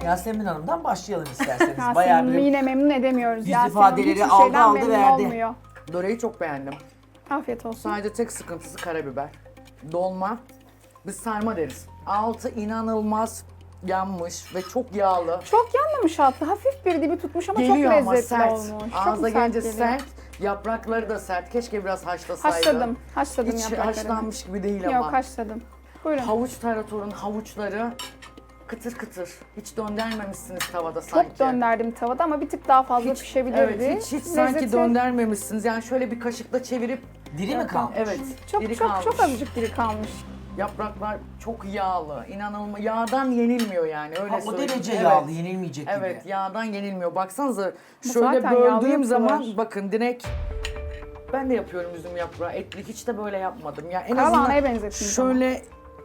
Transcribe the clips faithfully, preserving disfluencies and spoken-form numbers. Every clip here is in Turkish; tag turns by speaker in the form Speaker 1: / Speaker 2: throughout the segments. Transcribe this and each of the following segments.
Speaker 1: Yasemin Hanım'dan başlayalım isterseniz. Bayağı
Speaker 2: Yasemin'i
Speaker 1: bir
Speaker 2: yine memnun edemiyoruz.
Speaker 1: yüz
Speaker 2: Yasemin
Speaker 1: ifadeleri
Speaker 2: hiçbir
Speaker 1: aldı,
Speaker 2: şeyden
Speaker 1: aldı,
Speaker 2: memnun
Speaker 1: verdi.
Speaker 2: olmuyor.
Speaker 3: Böreği çok beğendim.
Speaker 2: Afiyet olsun.
Speaker 3: Sadece tek sıkıntısı karabiber. Dolma. Biz sarma deriz. Altı inanılmaz yanmış ve çok yağlı.
Speaker 2: Çok yanmamış altı. Hafif bir dibi tutmuş ama
Speaker 3: Geliyor
Speaker 2: çok
Speaker 3: ama
Speaker 2: lezzetli
Speaker 3: sert.
Speaker 2: olmuş.
Speaker 3: Ağza
Speaker 2: çok sert
Speaker 3: gelince
Speaker 2: geliyor.
Speaker 3: sert. Yaprakları da sert. Keşke biraz haşlasaydı.
Speaker 2: Haşladım. Haşladım
Speaker 3: Hiç
Speaker 2: yapraklarını.
Speaker 3: haşlanmış gibi değil ama.
Speaker 2: Yok haşladım. Buyurun.
Speaker 3: Havuç taratorun havuçları kıtır kıtır. Hiç döndürmemişsiniz tavada sanki.
Speaker 2: Çok dönderdim tavada ama bir tık daha fazla
Speaker 3: Hiç-
Speaker 2: pişebilirdi.
Speaker 3: Evet, hiç, hiç sanki
Speaker 2: Lezzeti-
Speaker 3: döndürmemişsiniz. Yani şöyle bir kaşıkla çevirip
Speaker 1: diri mi kalmış?
Speaker 3: evet,
Speaker 2: Çok
Speaker 3: diri
Speaker 2: çok
Speaker 3: kalmış.
Speaker 2: çok azıcık diri kalmış.
Speaker 3: Yapraklar çok yağlı, inanılmaz. Yağdan yenilmiyor yani öyle
Speaker 1: Ha, o
Speaker 3: söyleyeyim.
Speaker 1: derece
Speaker 3: Evet.
Speaker 1: yağlı, yenilmeyecek
Speaker 3: Evet,
Speaker 1: gibi.
Speaker 3: yağdan yenilmiyor. Baksanıza
Speaker 2: Bu
Speaker 3: şöyle
Speaker 2: zaten yağlı
Speaker 3: böldüğüm zaman
Speaker 2: yapıyorlar.
Speaker 3: bakın direkt ben de yapıyorum üzüm yaprağı. Etli hiç de böyle yapmadım. Ya en
Speaker 2: Karalahanaya
Speaker 3: azından
Speaker 2: benzettiniz ama.
Speaker 3: şöyle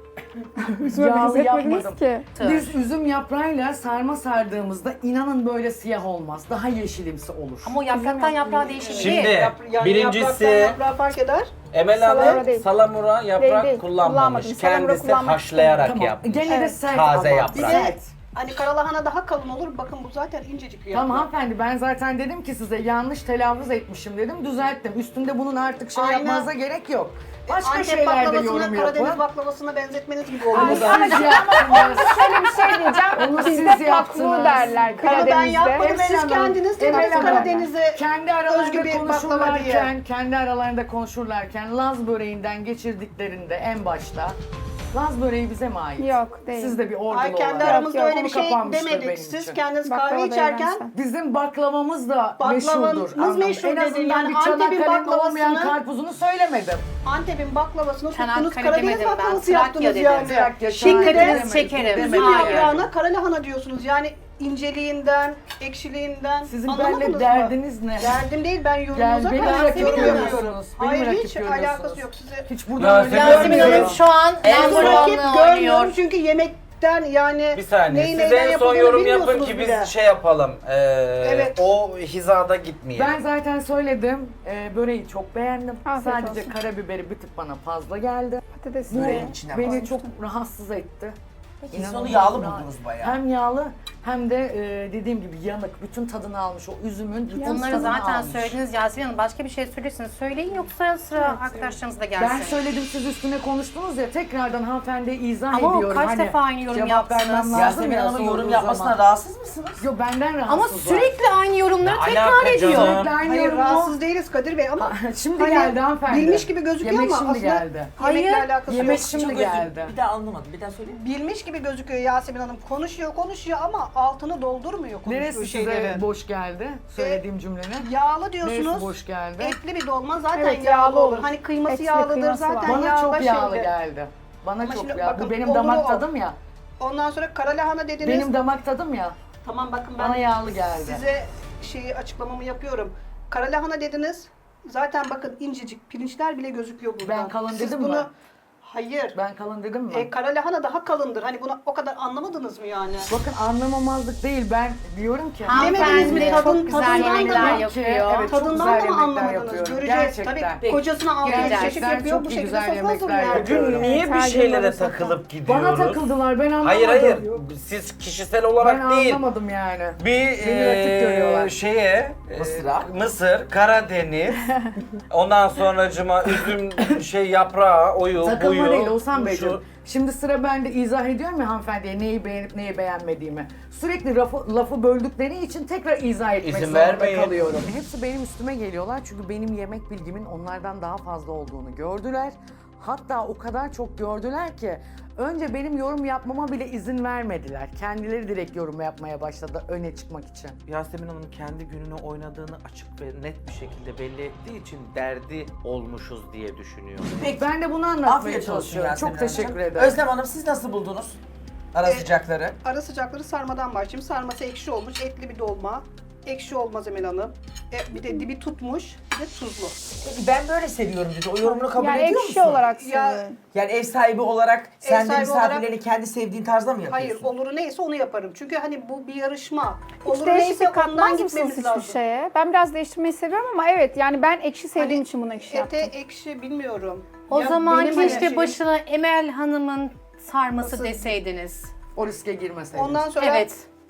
Speaker 2: Üzüme
Speaker 3: yağlı
Speaker 2: benzetmediniz
Speaker 3: yapmadım.
Speaker 2: ki.
Speaker 3: Biz üzüm yaprağıyla sarma sardığımızda inanın böyle siyah olmaz. Daha yeşilimsi olur.
Speaker 4: Ama o yapraktan yaprağa değişir
Speaker 5: Şimdi
Speaker 4: değil.
Speaker 6: Yani
Speaker 5: birincisi
Speaker 6: yapraktan yaprağı fark eder.
Speaker 5: Emel
Speaker 2: Salamura
Speaker 5: Hanım
Speaker 2: değil.
Speaker 5: salamura yaprak
Speaker 2: Değil, değil.
Speaker 5: kullanmamış.
Speaker 2: Kullanmadım. Salamura
Speaker 5: Kendisi
Speaker 2: kullanmak
Speaker 5: haşlayarak
Speaker 3: Tamam.
Speaker 5: yapmış.
Speaker 3: Gene de
Speaker 2: Evet.
Speaker 3: sert
Speaker 5: Taze
Speaker 3: ama.
Speaker 5: yaprak.
Speaker 6: Bir de
Speaker 3: Sert.
Speaker 6: hani karalahana daha kalın olur. Bakın bu zaten incecik bir yaprak.
Speaker 3: Tamam hanımefendi ben zaten dedim ki size yanlış telaffuz etmişim dedim düzelttim. Üstünde bunun artık şey
Speaker 6: Aynen.
Speaker 3: yapmanıza gerek yok. Başka
Speaker 6: Antep
Speaker 3: şeylerde
Speaker 6: baklavasını
Speaker 3: yorum
Speaker 6: Karadeniz
Speaker 3: yapın.
Speaker 6: baklavasına benzetmeniz gibi oldu.
Speaker 3: Onu
Speaker 6: bu da.
Speaker 3: siz yaptınız.
Speaker 2: Şöyle bir şey diyeceğim.
Speaker 3: Onu siz
Speaker 2: Bizde
Speaker 3: yaptınız.
Speaker 2: paklu derler
Speaker 6: Bunu ben
Speaker 2: Karadeniz'de.
Speaker 6: yapmadım.
Speaker 3: Emel
Speaker 6: Siz
Speaker 3: Hanım,
Speaker 6: kendiniz
Speaker 3: Emel
Speaker 6: dediniz
Speaker 3: Hanım,
Speaker 6: Karadeniz'e
Speaker 3: Kendi aralarında
Speaker 6: özgü bir baklava diye.
Speaker 3: konuşurlarken, kendi aralarında konuşurlarken Laz böreğinden geçirdiklerinde en başta Laz böreği bize mi ait?
Speaker 2: Yok, değil.
Speaker 3: Siz de bir ordulu
Speaker 6: Ay kendi
Speaker 3: olarak.
Speaker 6: aramızda
Speaker 2: Yok,
Speaker 6: öyle
Speaker 3: konu
Speaker 6: bir şey
Speaker 3: kapanmıştır
Speaker 6: demedik.
Speaker 3: benim
Speaker 6: Siz
Speaker 3: için.
Speaker 6: kendiniz
Speaker 2: Baklava
Speaker 6: kahve
Speaker 2: da
Speaker 6: içerken
Speaker 2: eğlense.
Speaker 3: Bizim baklavamız da
Speaker 6: Baklavamız
Speaker 3: meşhurdur. anlamında.
Speaker 6: meşhur
Speaker 3: En
Speaker 6: dedin.
Speaker 3: azından
Speaker 6: Yani
Speaker 3: bir
Speaker 6: Antep'in
Speaker 3: Çanakkale'nin olmayan
Speaker 6: baklavasını-
Speaker 3: karpuzunu söylemedim.
Speaker 6: Antep'in baklavasını tuttunuz
Speaker 4: Çanakkale
Speaker 6: Karadeniz
Speaker 4: demedim ben,
Speaker 6: baklavası
Speaker 4: Trakya
Speaker 6: yaptınız
Speaker 4: dedim.
Speaker 6: yani.
Speaker 3: Trakya,
Speaker 6: Şimdi
Speaker 3: Çanakkale
Speaker 6: de
Speaker 4: Karadeniz şekerim.
Speaker 6: üzüm
Speaker 4: Hayır.
Speaker 6: yaprağına karalahana diyorsunuz. Yani inceliğinden, ekşiliğinden
Speaker 3: Sizin
Speaker 6: anlamadınız
Speaker 3: benimle
Speaker 6: mı?
Speaker 3: derdiniz ne?
Speaker 6: Derdim değil, ben
Speaker 3: Gel,
Speaker 6: yorumunuza
Speaker 3: beni
Speaker 6: karşı
Speaker 3: rakip
Speaker 6: yorum
Speaker 3: görüyorsunuz.
Speaker 6: yapıyorum.
Speaker 3: Beni
Speaker 6: Hayır,
Speaker 3: rakip
Speaker 6: hiç
Speaker 3: görüyorsunuz.
Speaker 6: alakası yok size.
Speaker 3: Hiç burada öyle
Speaker 5: Yasemin
Speaker 4: Yasemin Hanım şu an en
Speaker 6: Ben bu rakip
Speaker 4: puanlı
Speaker 6: görmüyorum
Speaker 4: oynuyor.
Speaker 6: çünkü yemekten yani
Speaker 5: Bir saniye.
Speaker 6: neyin
Speaker 5: Siz
Speaker 6: neyden
Speaker 5: en son
Speaker 6: yapıldığını
Speaker 5: yorum yapın
Speaker 6: bilmiyorsunuz
Speaker 5: ki
Speaker 6: bile.
Speaker 5: biz şey yapalım. Ee,
Speaker 6: Evet.
Speaker 5: O hizada gitmeyelim.
Speaker 3: Ben zaten söyledim. Ee, böreği çok beğendim.
Speaker 2: Afiyet
Speaker 3: Sadece
Speaker 2: olsun.
Speaker 3: karabiberi bir tık bana fazla geldi.
Speaker 2: Patates
Speaker 3: Bu
Speaker 1: Böreğin içine
Speaker 3: beni
Speaker 1: basmış.
Speaker 3: çok rahatsız etti.
Speaker 1: Peki
Speaker 3: İnanılmaz
Speaker 1: sonu yağlı
Speaker 3: rahat.
Speaker 1: buldunuz bayağı.
Speaker 3: Hem yağlı hem de e, dediğim gibi yanık. Bütün tadını almış. O üzümün bütün
Speaker 4: Bunları
Speaker 3: tadını
Speaker 4: zaten
Speaker 3: almış.
Speaker 4: söylediniz Yasemin Hanım. Başka bir şey söylüyorsanız söyleyin yoksa sıra arkadaşlarımız da gelsin.
Speaker 3: Ben söyledim siz üstüne konuştunuz ya tekrardan hanımefendiye izah
Speaker 4: Ama o
Speaker 3: ediyorum.
Speaker 4: kaç
Speaker 3: Hani
Speaker 4: defa aynı yorum
Speaker 3: cevap
Speaker 4: yaptınız?
Speaker 3: vermem lazım
Speaker 1: Yasemin
Speaker 3: ya
Speaker 1: Hanım'ın yorum
Speaker 3: sorduğu
Speaker 1: yapmasına
Speaker 3: zaman.
Speaker 1: rahatsız mısınız?
Speaker 3: Yo benden
Speaker 4: Ama
Speaker 3: rahatsız var.
Speaker 4: sürekli aynı yorumları
Speaker 5: Ne
Speaker 4: tekrar
Speaker 5: alaka
Speaker 4: ediyor.
Speaker 5: canım?
Speaker 3: Sürekli aynı
Speaker 6: Hayır
Speaker 3: yorumu-
Speaker 6: rahatsız değiliz Kadir Bey ama
Speaker 3: Şimdi
Speaker 6: hani
Speaker 3: geldi hanımefendi.
Speaker 6: bilmiş gibi gözüküyor
Speaker 3: Yemek
Speaker 6: ama
Speaker 3: şimdi
Speaker 6: aslında
Speaker 3: geldi.
Speaker 6: yemekle
Speaker 4: Hayır,
Speaker 6: alakası
Speaker 3: yemek
Speaker 6: yok.
Speaker 3: şimdi
Speaker 1: Çok özür-
Speaker 3: geldi.
Speaker 1: Bir daha anlamadım. Bir daha söyleyeyim.
Speaker 6: Bilmiş gibi gözüküyor Yasemin Hanım. Konuşuyor konuşuyor ama altını doldurmuyor konuştuğu
Speaker 3: Neresi size
Speaker 6: şeylerin.
Speaker 3: boş geldi? Söylediğim cümlenin.
Speaker 6: Yağlı
Speaker 3: Neresi
Speaker 6: diyorsunuz.
Speaker 3: boş geldi?
Speaker 6: Etli bir dolma zaten
Speaker 2: Evet,
Speaker 6: yağlı,
Speaker 2: yağlı
Speaker 6: olur.
Speaker 2: olur.
Speaker 6: Hani kıyması
Speaker 2: Etli
Speaker 6: yağlıdır
Speaker 2: kıyması var.
Speaker 6: zaten
Speaker 3: Bana
Speaker 6: yağda
Speaker 3: çok yağlı
Speaker 6: şeydir.
Speaker 3: geldi. Bana
Speaker 6: Ama
Speaker 3: çok
Speaker 6: şimdi
Speaker 3: yağlı.
Speaker 6: bakın,
Speaker 3: Bu benim
Speaker 6: olur
Speaker 3: damak
Speaker 6: o.
Speaker 3: tadım ya.
Speaker 6: Ondan sonra karalahana dediniz.
Speaker 3: Benim damak tadım ya.
Speaker 6: Tamam bakın ben
Speaker 3: Bana yağlı geldi.
Speaker 6: size şeyi açıklamamı yapıyorum. Karalahana dediniz. Zaten bakın incecik pirinçler bile gözüküyor burada.
Speaker 3: Ben kalın
Speaker 6: Siz
Speaker 3: dedim
Speaker 6: bunu...
Speaker 3: mi?
Speaker 6: Hayır.
Speaker 3: Ben kalın dedim mi?
Speaker 6: E, karalahana daha kalındır. Hani bunu o kadar anlamadınız mı yani?
Speaker 3: Bakın anlamamazlık değil. Ben diyorum ki.
Speaker 6: Bilemediniz mi?
Speaker 4: Hanımefendi
Speaker 6: Tadın-
Speaker 4: çok güzel
Speaker 6: tadından da
Speaker 4: yemekler
Speaker 6: mı?
Speaker 4: yapıyor.
Speaker 3: Evet, çok
Speaker 6: Tadından
Speaker 3: güzel
Speaker 6: da mı
Speaker 3: yemekler
Speaker 6: anlamadınız?
Speaker 3: yapıyorum.
Speaker 6: Göreceğiz.
Speaker 3: Gerçekten.
Speaker 6: Tabii kocasına altı
Speaker 4: Gerçekten
Speaker 6: çeşit yapıyor.
Speaker 3: çok
Speaker 6: Bu
Speaker 3: iyi
Speaker 6: şekilde
Speaker 3: güzel
Speaker 6: sofra
Speaker 3: yemekler
Speaker 6: hazırlıyor.
Speaker 3: yapıyorum.
Speaker 5: Bugün niye bir
Speaker 2: Her gün
Speaker 5: şeylere
Speaker 2: böyle
Speaker 5: takılıp gidiyoruz?
Speaker 3: Bana takıldılar. Ben anlamadım.
Speaker 5: Hayır hayır. Siz kişisel olarak
Speaker 3: Ben
Speaker 5: değil.
Speaker 3: anlamadım yani.
Speaker 5: Bir
Speaker 3: Beni rakip görüyorlar.
Speaker 5: eee şeye eee,
Speaker 1: Mısır'a.
Speaker 5: Mısır, Karadeniz, ondan sonracıma üzüm şey yaprağı, oyu,
Speaker 3: Takılma
Speaker 5: buyu,
Speaker 3: değil Oğuzhan
Speaker 5: şu-
Speaker 3: Beyciğim. Şimdi sıra bende izah ediyorum ya hanımefendiye neyi beğenip neyi beğenmediğimi. Sürekli lafı, lafı böldükleri için tekrar izah etmek
Speaker 5: İzin
Speaker 3: zorunda
Speaker 5: vermeyin.
Speaker 3: kalıyorum. Hepsi benim üstüme geliyorlar çünkü benim yemek bilgimin onlardan daha fazla olduğunu gördüler. Hatta o kadar çok gördüler ki önce benim yorum yapmama bile izin vermediler. Kendileri direkt yorum yapmaya başladı öne çıkmak için.
Speaker 5: Yasemin Hanım kendi gününü oynadığını açık ve net bir şekilde belli ettiği için derdi olmuşuz diye düşünüyorum.
Speaker 1: Peki.
Speaker 3: Ben de bunu anlatmaya
Speaker 1: Afiyet olsun
Speaker 3: çalışıyorum.
Speaker 1: Yasemin
Speaker 3: Çok teşekkür
Speaker 1: Hanımcığım.
Speaker 3: ederim.
Speaker 1: Özlem Hanım siz nasıl buldunuz ara
Speaker 6: E,
Speaker 1: sıcakları?
Speaker 6: Ara sıcakları sarmadan başlayayım. Sarması ekşi olmuş, etli bir dolma. Ekşi olmaz Emel Hanım. E, bir de dibi tutmuş, bir de tuzlu.
Speaker 1: Peki ben böyle seviyorum dedi. O yorumunu kabul
Speaker 2: Yani
Speaker 1: ediyor
Speaker 2: ekşi
Speaker 1: musun?
Speaker 2: olarak
Speaker 6: Ya-
Speaker 2: seviyorum.
Speaker 1: Yani ev sahibi olarak sen de
Speaker 6: sahibi
Speaker 1: misafirlerini kendi sevdiğin tarzda mı
Speaker 6: Hayır,
Speaker 1: yapıyorsun?
Speaker 6: oluru neyse onu yaparım. Çünkü hani bu bir yarışma.
Speaker 2: Hiç
Speaker 6: Oluru neyse
Speaker 2: değişiklik
Speaker 6: ondan
Speaker 2: katmaz mısınız
Speaker 6: gitmemiz
Speaker 2: hiçbir
Speaker 6: lazım.
Speaker 2: şeye? Ben biraz değiştirmeyi seviyorum ama evet yani ben ekşi sevdiğim
Speaker 6: Hani
Speaker 2: için bunu ekşi
Speaker 6: Ete
Speaker 2: yaptım.
Speaker 6: ekşi bilmiyorum.
Speaker 4: O
Speaker 6: Ya
Speaker 4: zaman
Speaker 6: benim hani
Speaker 4: keşke
Speaker 6: şeyim-
Speaker 4: başına Emel Hanım'ın sarması
Speaker 6: Nasıl?
Speaker 4: deseydiniz.
Speaker 3: O riske girmeseydiniz.
Speaker 6: Ondan sonra
Speaker 4: Evet.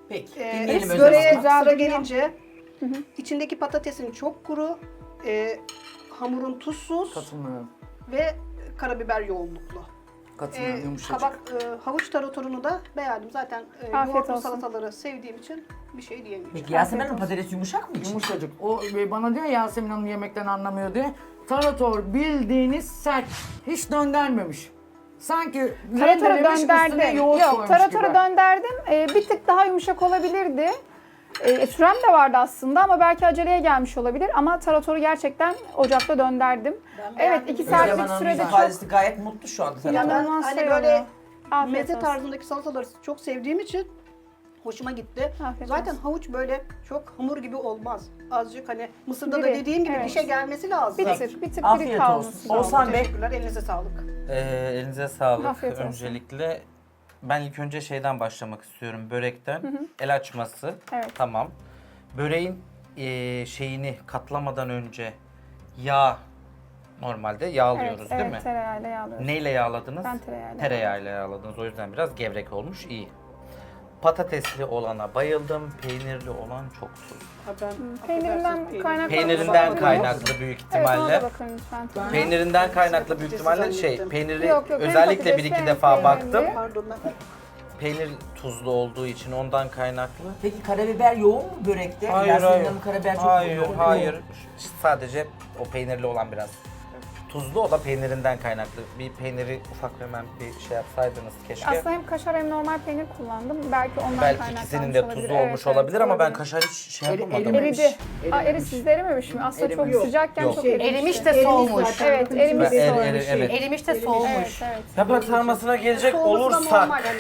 Speaker 1: Peki.
Speaker 6: Ee,
Speaker 1: Dinleyelim Özlem
Speaker 6: böreğe
Speaker 1: Hanım.
Speaker 2: Güzel
Speaker 6: sıra
Speaker 2: duruyor.
Speaker 6: gelince içindeki patatesin çok kuru, e, hamurun tuzsuz
Speaker 3: Katılmıyorum.
Speaker 6: ve karabiber yoğunluklu.
Speaker 3: Katılmıyorum.
Speaker 6: Ee,
Speaker 3: Yumuşacık.
Speaker 6: kabak, e, havuç taratorunu da beğendim. Zaten e,
Speaker 2: Afiyet
Speaker 6: yoğurtlu
Speaker 2: olsun.
Speaker 6: salataları sevdiğim için bir şey diyemeyeceğim.
Speaker 1: Peki Yasemin Hanım patates yumuşak mı için?
Speaker 3: Yumuşacık. O e, bana diyor ya, Yasemin Hanım yemekten anlamıyor diye. Tarator bildiğiniz sert. Hiç döndermemiş. Sanki
Speaker 2: Taratoru
Speaker 3: rendelemiş, üstüne
Speaker 2: dönderdim.
Speaker 3: yoğurt
Speaker 2: Yok,
Speaker 3: koymuş
Speaker 2: taratoru
Speaker 3: gibi.
Speaker 2: dönderdim. Ee, bir tık daha yumuşak olabilirdi. Ee, sürem de vardı aslında ama belki aceleye gelmiş olabilir. Ama taratoru gerçekten ocakta dönderdim. Evet, iki
Speaker 1: Özlem
Speaker 2: saatlik
Speaker 1: Hanım'ın
Speaker 2: sürede çok
Speaker 1: ifadesi gayet mutlu şu anda.
Speaker 6: Ya ben
Speaker 2: inanılmaz
Speaker 6: hani
Speaker 2: şey
Speaker 6: böyle
Speaker 2: oluyor. Afiyet
Speaker 6: meze
Speaker 2: olsun.
Speaker 6: tarzındaki salataları çok sevdiğim için hoşuma gitti.
Speaker 2: Afiyet
Speaker 6: Zaten
Speaker 2: olsun.
Speaker 6: havuç böyle çok hamur gibi olmaz. Azıcık hani Mısır'da da
Speaker 2: Diri,
Speaker 6: dediğim gibi
Speaker 2: evet.
Speaker 6: dişe gelmesi lazım.
Speaker 2: Bir tık, bir tık diri
Speaker 1: Afiyet
Speaker 2: kalması
Speaker 1: olsun.
Speaker 2: lazım.
Speaker 1: Oğuzhan Bey.
Speaker 6: Teşekkürler, elinize sağlık.
Speaker 5: Ee, elinize sağlık.
Speaker 2: Afiyet olsun.
Speaker 5: Öncelikle ben ilk önce şeyden başlamak istiyorum. Börekten. El açması.
Speaker 2: Evet.
Speaker 5: Tamam. Böreğin eee, şeyini katlamadan önce yağ normalde yağlıyoruz
Speaker 2: Evet,
Speaker 5: değil
Speaker 2: evet,
Speaker 5: mi?
Speaker 2: tereyağıyla yağlıyoruz.
Speaker 5: Neyle yağladınız?
Speaker 2: Ben tereyağıyla.
Speaker 5: Tereyağıyla yağladınız. O yüzden biraz gevrek olmuş. İyi. Patatesli olana bayıldım. Peynirli olan çok tuzlu.
Speaker 6: Ha, ben
Speaker 2: Peynirinden
Speaker 6: affedersiniz,
Speaker 2: kaynaklı.
Speaker 5: Peynirinden
Speaker 2: Bakın.
Speaker 5: kaynaklı büyük
Speaker 2: Evet, ona
Speaker 5: ihtimalle.
Speaker 2: da bakın lütfen.
Speaker 5: Peynirinden kaynaklı büyük
Speaker 6: Patatesi
Speaker 5: ihtimalle şey,
Speaker 6: zannettim.
Speaker 5: peyniri
Speaker 2: Yok, yok, hem
Speaker 5: özellikle bir
Speaker 2: patatesli
Speaker 5: iki
Speaker 2: hem
Speaker 5: defa
Speaker 2: peynirli.
Speaker 5: baktım.
Speaker 6: Pardon ben.
Speaker 5: Peynir tuzlu olduğu için ondan kaynaklı.
Speaker 1: Peki karabiber yoğun mu börekte?
Speaker 5: Hayır,
Speaker 1: Yasemin
Speaker 5: hayır.
Speaker 1: Hanım karabiber çok
Speaker 5: Hayır,
Speaker 1: yoğun.
Speaker 5: hayır. Sadece o peynirli olan biraz tuzlu, o da peynirinden kaynaklı. Bir peyniri ufak hemen bir şey yapsaydınız keşke.
Speaker 2: Aslında hem kaşar hem normal peynir kullandım. Belki ondan
Speaker 5: Belki
Speaker 2: kaynaklanmış
Speaker 5: ikisinin de
Speaker 2: olabilir.
Speaker 5: tuzu
Speaker 2: Evet,
Speaker 5: olmuş
Speaker 2: evet,
Speaker 5: olabilir ama ben
Speaker 2: olabilir.
Speaker 5: kaşar hiç şey
Speaker 3: Eri-
Speaker 5: yapamadım.
Speaker 3: erimemiş.
Speaker 2: Eridi. Aa,
Speaker 3: Erimemiş.
Speaker 2: eri sizde erimemiş mi? Aslında çok
Speaker 3: Erimemiş.
Speaker 2: sıcakken
Speaker 5: Yok.
Speaker 2: çok
Speaker 5: Şey,
Speaker 2: erimişti.
Speaker 4: Erimiş de soğumuş.
Speaker 2: Evet, erimiş
Speaker 5: Ben- eri-
Speaker 2: soğumuş.
Speaker 5: eri- evet.
Speaker 4: Erimiş de soğumuş.
Speaker 2: Evet, evet.
Speaker 5: Yaprak sarmasına gelecek
Speaker 6: Soğuması da
Speaker 5: olursak
Speaker 6: normal hani.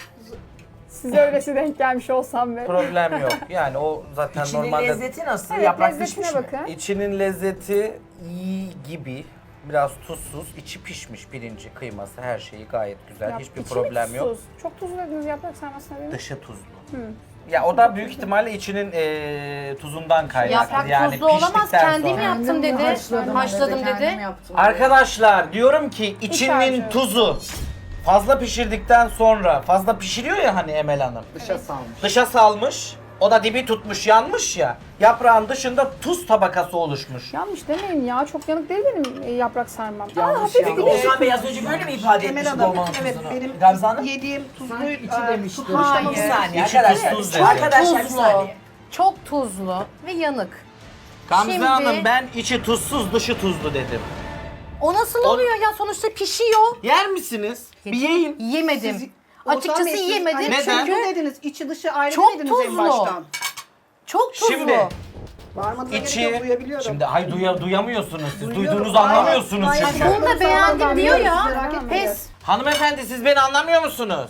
Speaker 2: Size öylesi denk gelmiş olsam be.
Speaker 5: problem yok. Yani o zaten
Speaker 1: İçinin
Speaker 5: normalde
Speaker 1: lezzeti nasıl?
Speaker 2: Evet,
Speaker 1: Yaprak
Speaker 2: lezzetine
Speaker 1: pişmiş mi?
Speaker 2: bakın.
Speaker 5: içinin lezzeti iyi gibi. Biraz tuzsuz, içi pişmiş pirinci, kıyması, her şeyi gayet güzel.
Speaker 2: Yap-
Speaker 5: Hiçbir
Speaker 2: içi
Speaker 5: problem
Speaker 2: mi
Speaker 5: yok.
Speaker 2: tuzsuz? Çok tuzlu dediniz yaprak sarmasına değil mi?
Speaker 5: Dışı tuzlu. Ya o da büyük ihtimalle içinin eee, tuzundan kaynaklı.
Speaker 4: Yaprak
Speaker 5: yani
Speaker 4: tuzlu olamaz.
Speaker 5: piştikten
Speaker 4: Kendim
Speaker 5: sonra.
Speaker 4: yaptım dedi.
Speaker 3: Haşladım,
Speaker 4: Haşladım
Speaker 3: kendim
Speaker 4: dedi.
Speaker 3: yaptım.
Speaker 5: Arkadaşlar diyorum ki içinin
Speaker 2: harcı.
Speaker 5: tuzu fazla pişirdikten sonra, fazla pişiriyor ya hani Emel Hanım.
Speaker 3: Dışa salmış.
Speaker 5: Dışa salmış, o da dibi tutmuş, yanmış ya. Yaprağın dışında tuz tabakası oluşmuş.
Speaker 2: Yanlış demeyin ya. Çok yanık değil benim e, yaprak sarmam. Aa,
Speaker 3: Yanlış
Speaker 2: hafif
Speaker 3: yanlış.
Speaker 2: bir de-
Speaker 1: Oğuzhan Bey az önce böyle mi ifade
Speaker 6: Emel
Speaker 1: etmişti
Speaker 6: Hanım,
Speaker 1: dolmanın
Speaker 6: evet
Speaker 1: tuzunu?
Speaker 6: benim
Speaker 1: Gamze Hanım?
Speaker 6: yediğim tuzlu
Speaker 3: Sanki içi
Speaker 6: e,
Speaker 3: demişti.
Speaker 6: tutmuş
Speaker 4: Hayır.
Speaker 6: ama
Speaker 1: Bir saniye
Speaker 5: İçi
Speaker 1: arkadaşlar.
Speaker 5: tuzsuz dedi.
Speaker 1: Arkadaşlar bir
Speaker 4: Tuzlu.
Speaker 1: saniye.
Speaker 4: Çok tuzlu ve yanık.
Speaker 5: Gamze
Speaker 4: Şimdi-
Speaker 5: Hanım ben içi tuzsuz, dışı tuzlu dedim.
Speaker 4: O nasıl oluyor ya? Sonuçta pişiyor.
Speaker 5: Yer misiniz? Bir yiyin.
Speaker 4: Yemedim.
Speaker 6: Siz-
Speaker 4: Açıkçası
Speaker 6: Oğuzhan Bey, siz
Speaker 4: yemedim
Speaker 6: hani
Speaker 5: Neden?
Speaker 6: tuzlu dediniz, içi dışı ayrı
Speaker 4: Çok
Speaker 6: dediniz en
Speaker 4: tuzlu.
Speaker 6: baştan.
Speaker 4: Çok tuzlu.
Speaker 5: Şimdi
Speaker 6: Bağırmanıza gerek
Speaker 5: içi,
Speaker 6: yok, duyabiliyorum.
Speaker 5: şimdi hay duya, duyamıyorsunuz siz,
Speaker 6: Duyuyorum.
Speaker 5: duyduğunuzu
Speaker 6: Hayır,
Speaker 5: anlamıyorsunuz
Speaker 6: hayır,
Speaker 5: çünkü.
Speaker 6: hayır.
Speaker 4: Bunu da beğendim diyor ya.
Speaker 6: Merak etmeyin.
Speaker 4: Pes.
Speaker 5: Hanımefendi siz beni anlamıyor musunuz?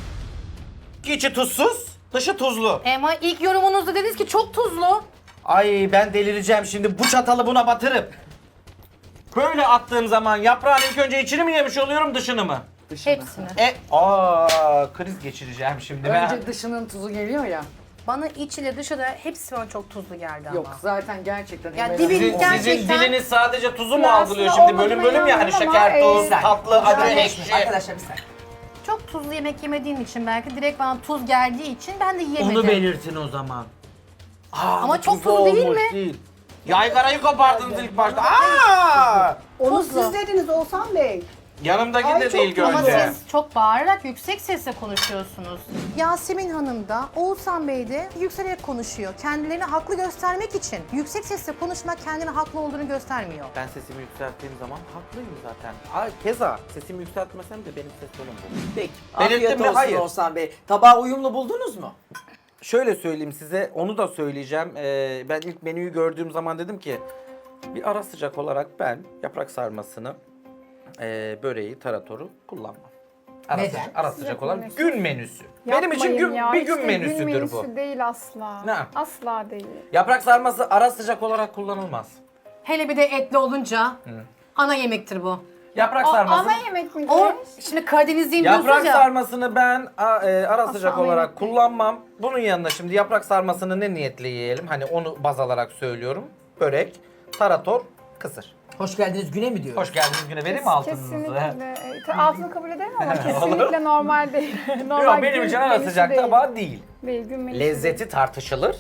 Speaker 5: İçi tuzsuz, dışı tuzlu.
Speaker 4: Ama ilk yorumunuzda dediniz ki çok tuzlu.
Speaker 5: Ay ben delireceğim şimdi bu çatalı buna batırıp. Böyle attığım zaman yaprağın ilk önce içini mi yemiş oluyorum, dışını mı?
Speaker 3: Dışını.
Speaker 4: Hepsini.
Speaker 5: E, aa kriz geçireceğim şimdi ben.
Speaker 3: Önce dışının tuzu geliyor ya.
Speaker 4: Bana iç ile dışı da hepsi bana çok tuzlu geldi ama.
Speaker 3: Yok zaten gerçekten.
Speaker 4: Ya
Speaker 3: Emel
Speaker 4: dibi-
Speaker 3: Hanım-
Speaker 5: Sizin,
Speaker 4: gerçekten-
Speaker 5: sizin diliniz sadece tuzu mu
Speaker 2: Ya
Speaker 5: algılıyor
Speaker 2: aslında
Speaker 5: şimdi? Bölüm
Speaker 2: olmadığına
Speaker 5: bölüm ya hani
Speaker 2: inanıyorum
Speaker 5: şeker,
Speaker 2: ama,
Speaker 5: tuz,
Speaker 2: e,
Speaker 5: tatlı, acı,
Speaker 1: Müsaade
Speaker 5: ekşi.
Speaker 1: etsin. Arkadaşlar bir saniye.
Speaker 4: Çok tuzlu yemek yemediğim için belki direkt bana tuz geldiği için ben de yemedim.
Speaker 5: Onu belirtin o zaman. Aa,
Speaker 4: Ama
Speaker 5: bu
Speaker 4: çok
Speaker 5: tuzlu
Speaker 4: tuzlu değil
Speaker 5: olmuş
Speaker 4: mi?
Speaker 5: Değil. Yaygarayı kopardınız ilk başta. Aa!
Speaker 6: Onu
Speaker 4: Tuzlu.
Speaker 6: siz dediniz Oğuzhan Bey.
Speaker 5: Yanımdaki
Speaker 6: Ay,
Speaker 5: de
Speaker 6: çok
Speaker 5: değil
Speaker 6: tuzlu.
Speaker 4: Ama
Speaker 5: Gönce.
Speaker 4: siz çok bağırarak yüksek sesle konuşuyorsunuz. Yasemin Hanım da Oğuzhan Bey de yükselerek konuşuyor. Kendilerini haklı göstermek için. Yüksek sesle konuşmak kendini haklı olduğunu göstermiyor.
Speaker 5: Ben sesimi yükselttiğim zaman haklıyım zaten. Aa, keza sesimi yükseltmesem de benim ses tonum bu.
Speaker 1: Peki.
Speaker 5: Belirttim
Speaker 1: Afiyet
Speaker 5: mi?
Speaker 1: olsun
Speaker 5: Hayır.
Speaker 1: Oğuzhan Bey. Tabağı uyumlu buldunuz mu?
Speaker 5: Şöyle söyleyeyim size, onu da söyleyeceğim. Ee, ben ilk menüyü gördüğüm zaman dedim ki bir ara sıcak olarak ben yaprak sarmasını, e, böreği, taratoru kullanmam. Ara,
Speaker 1: Neden?
Speaker 5: sıcak, ara sıcak
Speaker 2: Sıcak
Speaker 5: olarak
Speaker 2: menüsü.
Speaker 5: gün menüsü. Benim için
Speaker 2: Yapmayın
Speaker 5: gün,
Speaker 2: ya,
Speaker 5: bir
Speaker 2: hiç
Speaker 5: gün
Speaker 2: de
Speaker 5: menüsüdür
Speaker 2: gün menüsü
Speaker 5: bu.
Speaker 2: değil asla.
Speaker 5: Ne?
Speaker 2: Asla değil.
Speaker 5: Yaprak sarması ara sıcak olarak kullanılmaz.
Speaker 4: Hele bir de etli olunca ana yemektir bu.
Speaker 5: Yaprak
Speaker 2: O,
Speaker 5: sarması.
Speaker 2: ana yemek mi?
Speaker 4: O şimdi Karadenizliyim diyorsunuz
Speaker 5: Yaprak
Speaker 4: ya.
Speaker 5: sarmasını ben a, e, ara
Speaker 2: Asla
Speaker 5: sıcak
Speaker 2: ana
Speaker 5: olarak
Speaker 2: yemek değil.
Speaker 5: kullanmam. Bunun yanında şimdi yaprak sarmasını ne niyetle yiyelim? Hani onu baz alarak söylüyorum. Börek, tarator, kısır.
Speaker 1: Hoş geldiniz güne mi diyoruz?
Speaker 5: Hoş geldiniz güne, vereyim mi altınızı?
Speaker 2: Kesinlikle. E, ta- altını kabul ederim ama kesinlikle normal değil. Normal
Speaker 5: Yok, benim
Speaker 2: gün
Speaker 5: için ara
Speaker 2: menüsü
Speaker 5: sıcak
Speaker 2: değil.
Speaker 5: tabağı değil.
Speaker 2: Değil, gün menüsü
Speaker 5: Lezzeti
Speaker 2: değil.
Speaker 5: tartışılır.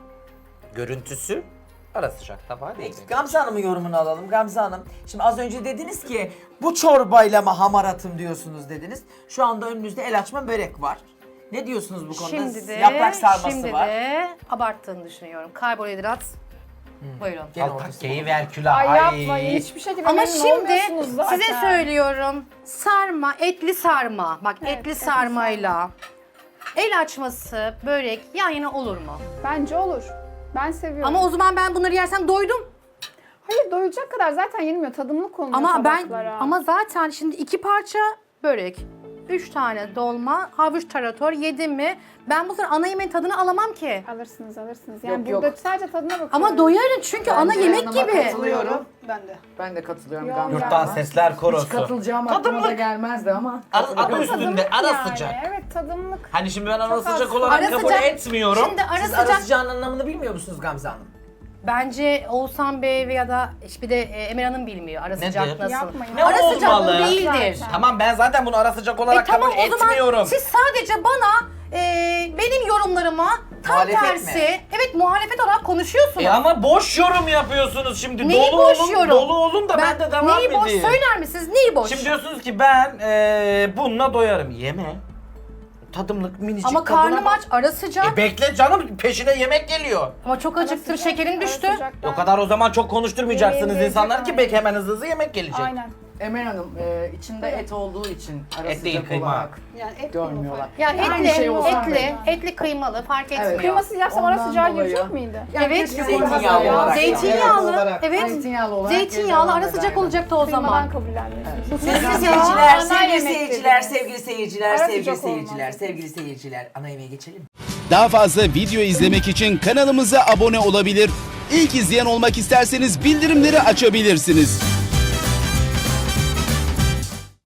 Speaker 5: Görüntüsü ara sıcak tabağı değil.
Speaker 1: Peki Gamze Hanım'ın yorumunu alalım. Gamze Hanım, şimdi az önce dediniz ki bu çorbayla mı hamaratım diyorsunuz dediniz. Şu anda önünüzde el açma börek var. Ne diyorsunuz bu konuda?
Speaker 4: Şimdi de,
Speaker 1: Yaprak sarması
Speaker 4: şimdi
Speaker 1: var.
Speaker 4: de abarttığını düşünüyorum. Karbonhidrat. Buyurun.
Speaker 1: Gene
Speaker 5: Al
Speaker 1: ortası
Speaker 5: takkeyi
Speaker 1: var.
Speaker 5: ver külah.
Speaker 2: Ay yapmayın,
Speaker 5: Ay.
Speaker 2: hiçbir şekilde
Speaker 4: Ama
Speaker 2: memnun
Speaker 4: şimdi
Speaker 2: olmuyorsunuz zaten.
Speaker 4: size söylüyorum. Sarma, etli sarma. Bak
Speaker 2: Evet,
Speaker 4: etli
Speaker 2: etli
Speaker 4: sarmayla el açması, börek yan yana olur mu?
Speaker 2: Bence olur. Ben seviyorum.
Speaker 4: Ama o zaman ben bunları yersem doydum.
Speaker 2: Hayır, doyacak kadar zaten yenilmiyor. Tadımlık konuluyor
Speaker 4: Ama ben
Speaker 2: tabaklara.
Speaker 4: ama zaten şimdi iki parça börek, üç tane dolma, havuç tarator yedim mi ben bu sefer ana yemeğin tadını alamam ki.
Speaker 2: Alırsınız alırsınız. Yani
Speaker 3: Yok,
Speaker 2: burada
Speaker 3: yok.
Speaker 2: sadece tadına bakıyorum.
Speaker 4: Ama doyarım çünkü ana
Speaker 3: Bence
Speaker 4: yemek
Speaker 3: yanıma
Speaker 4: gibi.
Speaker 6: Katılıyorum. Ben de.
Speaker 3: Ben de katılıyorum
Speaker 2: Yok,
Speaker 3: Gamze
Speaker 2: yok.
Speaker 5: Yurttan
Speaker 3: Hanım'a.
Speaker 5: sesler
Speaker 3: Hiç
Speaker 5: korosu.
Speaker 3: katılacağım aklıma da gelmezdi ama.
Speaker 5: Adı, adı üstünde
Speaker 2: Tadımlık
Speaker 5: ara
Speaker 2: yani.
Speaker 5: sıcak.
Speaker 2: Evet, tadımlık.
Speaker 5: Hani şimdi ben ara
Speaker 2: Çok az.
Speaker 5: sıcak olarak
Speaker 4: Ara
Speaker 5: kabul
Speaker 4: sıcak-
Speaker 5: etmiyorum.
Speaker 4: Şimdi ara
Speaker 1: Siz
Speaker 4: sıcak
Speaker 1: ara sıcağın anlamını bilmiyor musunuz Gamze Hanım?
Speaker 4: bence Oğuzhan Bey veya da bir de e, Emel Hanım bilmiyor ara sıcak
Speaker 5: Nedir?
Speaker 4: nasıl.
Speaker 2: Yapmayın.
Speaker 5: Ne
Speaker 4: Ara sıcak
Speaker 5: olmalı?
Speaker 4: bu değildir.
Speaker 2: Zaten.
Speaker 5: Tamam, ben zaten bunu ara sıcak olarak
Speaker 4: E tamam
Speaker 5: kabul
Speaker 4: o zaman
Speaker 5: etmiyorum.
Speaker 4: siz sadece bana e, benim yorumlarıma tam
Speaker 1: Muhalefet
Speaker 4: tersi,
Speaker 1: mi?
Speaker 4: evet muhalefet olarak konuşuyorsunuz.
Speaker 5: E ama boş yorum yapıyorsunuz şimdi.
Speaker 4: Neyi
Speaker 5: dolu
Speaker 4: boş
Speaker 5: olun,
Speaker 4: yorum?
Speaker 5: dolu olun da ben, de devam
Speaker 4: Neyi
Speaker 5: edeyim.
Speaker 4: boş söyler misiniz? Neyi boş?
Speaker 5: Şimdi diyorsunuz ki ben e, bununla doyarım. Yeme. Tadımlık minicik
Speaker 4: Ama
Speaker 5: tadına
Speaker 4: karnım
Speaker 5: bak.
Speaker 4: aç, ara sıcak.
Speaker 5: E bekle canım, peşine yemek geliyor.
Speaker 4: Ama çok acıktım,
Speaker 2: Sıcak,
Speaker 4: şekerim
Speaker 2: ara
Speaker 4: düştü.
Speaker 2: sıcaktan.
Speaker 5: O kadar o zaman çok konuşturmayacaksınız
Speaker 2: Yemeğini
Speaker 5: insanlar
Speaker 2: yiyecek
Speaker 5: ki bek hemen hızlı hızlı yemek gelecek.
Speaker 2: Aynen.
Speaker 3: Emel Hanım e, içinde et olduğu için ara
Speaker 5: Et değil,
Speaker 3: sıcak
Speaker 5: kıyma.
Speaker 3: olarak
Speaker 6: Yani et
Speaker 3: görmüyorlar.
Speaker 4: Ya
Speaker 3: Aynı
Speaker 4: etli,
Speaker 3: şey olsa
Speaker 4: etli,
Speaker 3: bile.
Speaker 4: etli kıymalı fark etmiyor.
Speaker 2: Kıymasız yapsam ara
Speaker 3: Ondan
Speaker 2: sıcağı
Speaker 3: dolayı.
Speaker 2: girecek miydi?
Speaker 3: Yani
Speaker 4: Evet,
Speaker 3: keşke
Speaker 1: zeytinyağlı
Speaker 3: koymasalar.
Speaker 1: olarak.
Speaker 4: Zeytinyağlı,
Speaker 6: olarak.
Speaker 4: evet.
Speaker 3: Zeytinyağlı olarak.
Speaker 4: Zeytinyağlı ara
Speaker 3: yeterli
Speaker 4: sıcak
Speaker 3: ederdi.
Speaker 4: olacaktı o
Speaker 2: Kıymadan
Speaker 4: zaman.
Speaker 2: kabullenmiyorsunuz.
Speaker 1: Sevgili
Speaker 2: Kıymadan
Speaker 1: seyirciler,
Speaker 2: ana
Speaker 1: sevgili
Speaker 2: yemek
Speaker 1: seyirciler,
Speaker 2: dediniz.
Speaker 1: sevgili seyirciler,
Speaker 2: Ara
Speaker 1: sevgili
Speaker 2: sıcak
Speaker 1: seyirciler,
Speaker 2: olmaz.
Speaker 1: sevgili seyirciler. Ana yemeğe geçelim.
Speaker 7: Daha fazla video izlemek için kanalımıza abone olabilir. İlk izleyen olmak isterseniz bildirimleri açabilirsiniz.